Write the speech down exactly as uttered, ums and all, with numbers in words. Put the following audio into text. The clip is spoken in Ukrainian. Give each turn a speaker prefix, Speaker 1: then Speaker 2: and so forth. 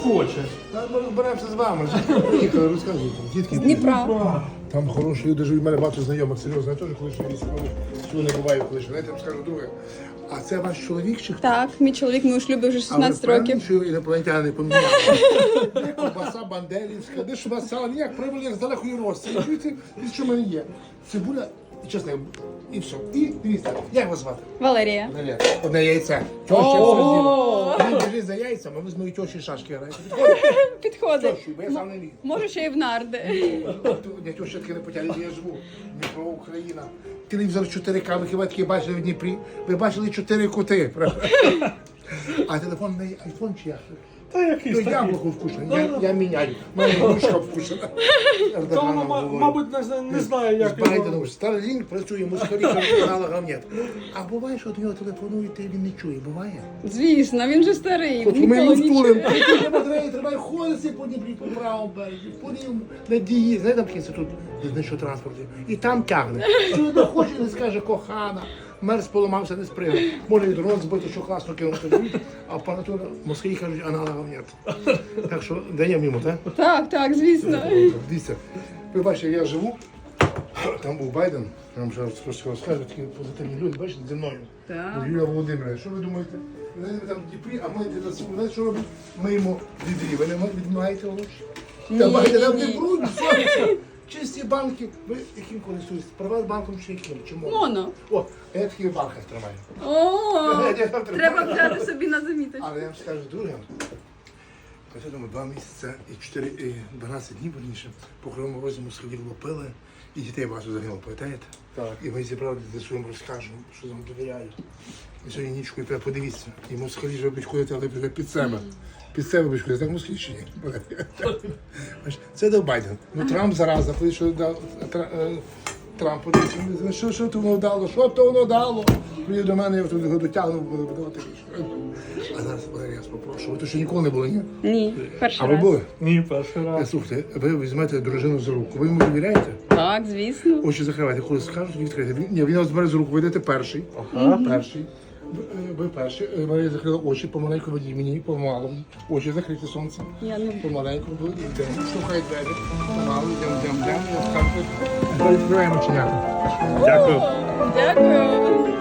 Speaker 1: Хоче.
Speaker 2: Та ми розберемося з вами. Приїхали, розказуйте. Дітки,
Speaker 3: З Дніпра.
Speaker 2: там хороші люди живуть, в мене багато знайомих, серйозно, я теж колишній військовий, всього не буваю колишній. Знаєте, я вам скажу друге. А це ваш чоловік чи хто?
Speaker 3: Так, мій чоловік, ми у шлюбі вже шістнадцять
Speaker 2: а ви
Speaker 3: років.
Speaker 2: що інопланетяни поміняли? Де ковбаса бандерівська, де ж у вас сало, ніяк привели як з далекої Росії. Чуєте, від що в мене є? Цибуля, і чесно, і все. І дивіться, як вас звати?
Speaker 3: Валерія.
Speaker 2: Валерія. Одне яйце. Чого ще все з'їли? Він біжить за яйцями, а ви з моєю тьоші шашки граєте. Підходить?
Speaker 3: Підходить.
Speaker 2: Тьощі, бо я сам не міг.
Speaker 3: Може ще й в нарди.
Speaker 2: Я тьоща таки не потягли, де я живу. Дніпро, Україна. Телевізор чотири К, ви хіба таки бачили в Дніпрі? Ви бачили чотири коти, правда? А телефон не айфон чи як?
Speaker 1: Та якийсь
Speaker 2: Ну,
Speaker 1: такий.
Speaker 2: яблуко вкусне, я, я міняю. У мене грушка вкусна.
Speaker 1: Та воно, ма- мабуть, не, зна- не знає, як
Speaker 2: З
Speaker 1: його...
Speaker 2: Байденом Starlink працює, москалі каналах нет. А буває, що до нього телефонують, і він не чує, буває?
Speaker 3: Звісно, він же старий.
Speaker 2: Хоч ми
Speaker 3: Ніколи
Speaker 2: йому
Speaker 3: не
Speaker 2: стулим,
Speaker 3: чує.
Speaker 2: треба батареї, треба ходити по Дніпрі, по правому березі, по лівому, на дії, знаєте, там інститут знищого транспорту, і там тягне. Що не хоче, не скаже кохана, мерз поламався, не спригне. Може і дрон збити, що класно кинути, а в панатура москалі кажуть, аналогів нет. Так що даємо йому, так?
Speaker 3: Так, так, звісно.
Speaker 2: Дивіться, ви бачите, я живу, там був Байден, я вам зараз трошки розкажу, такі позитивні люди, бачите, зі мною.
Speaker 3: Так.
Speaker 2: Юлія Володимирівна, що ви думаєте? Вони там в Дніпрі, а ми для себе, знаєте, що робимо? Ми йому відрі. Ви не відмагаєте гроші? Та
Speaker 3: Ні,
Speaker 2: бачите, там
Speaker 3: ні,
Speaker 2: не
Speaker 3: ні.
Speaker 2: брудні, сонце. Чисті банки. Ви яким користуєтесь? Приватбанком чи яким? Чи моно?
Speaker 3: Моно.
Speaker 2: О, я такий в банках тримаю.
Speaker 3: О,
Speaker 2: Я там тримаю.
Speaker 3: треба взяти собі на заміточку.
Speaker 2: Але я вам скажу друге. Ось я думаю, два місяці і чотири, і дванадцять днів, верніше, по Кривому Розі москалі лупили, і дітей ваших загинуло, пам'ятаєте?
Speaker 1: Так.
Speaker 2: І ми зібрали, за що їм розкажемо, що вам довіряють. І сьогодні нічкою треба подивитися. І москалі вже будуть ходити, але вже під себе. Під себе будуть ходити, так москалі чи ні? Бачиш, це дав Байден. Ну Трамп зараза, коли що дав Тра- е, Трамп, подивився, ну, що, що то воно дало, що то воно дало. Він до мене, я тут його дотягнув, буду подавати річ. А зараз, Валерій, я вас попрошу, ви то ще ніколи не були, ні?
Speaker 3: Ні,
Speaker 2: А
Speaker 3: перший
Speaker 2: ви
Speaker 3: раз.
Speaker 2: були?
Speaker 1: Ні, перший
Speaker 2: Е,
Speaker 1: раз.
Speaker 2: Слухайте, ви візьмете дружину за руку, ви йому довіряєте?
Speaker 3: Так, звісно.
Speaker 2: Очі закривайте, коли скажуть, відкрити. Він- Ні, він вас бере з рук, ви йдете перший.
Speaker 1: Ага.
Speaker 2: Перший. Ви, е, ви перший. Е, Марія закрила очі, помаленьку ведіть мені, помалу. Очі закриті сонце.
Speaker 3: Я не
Speaker 2: Помаленьку, ви йдемо. Штовхай двері. Помалу, йдемо, йдемо, йдемо. Відкриваємо чиняти.
Speaker 1: Дякую.
Speaker 3: Дякую.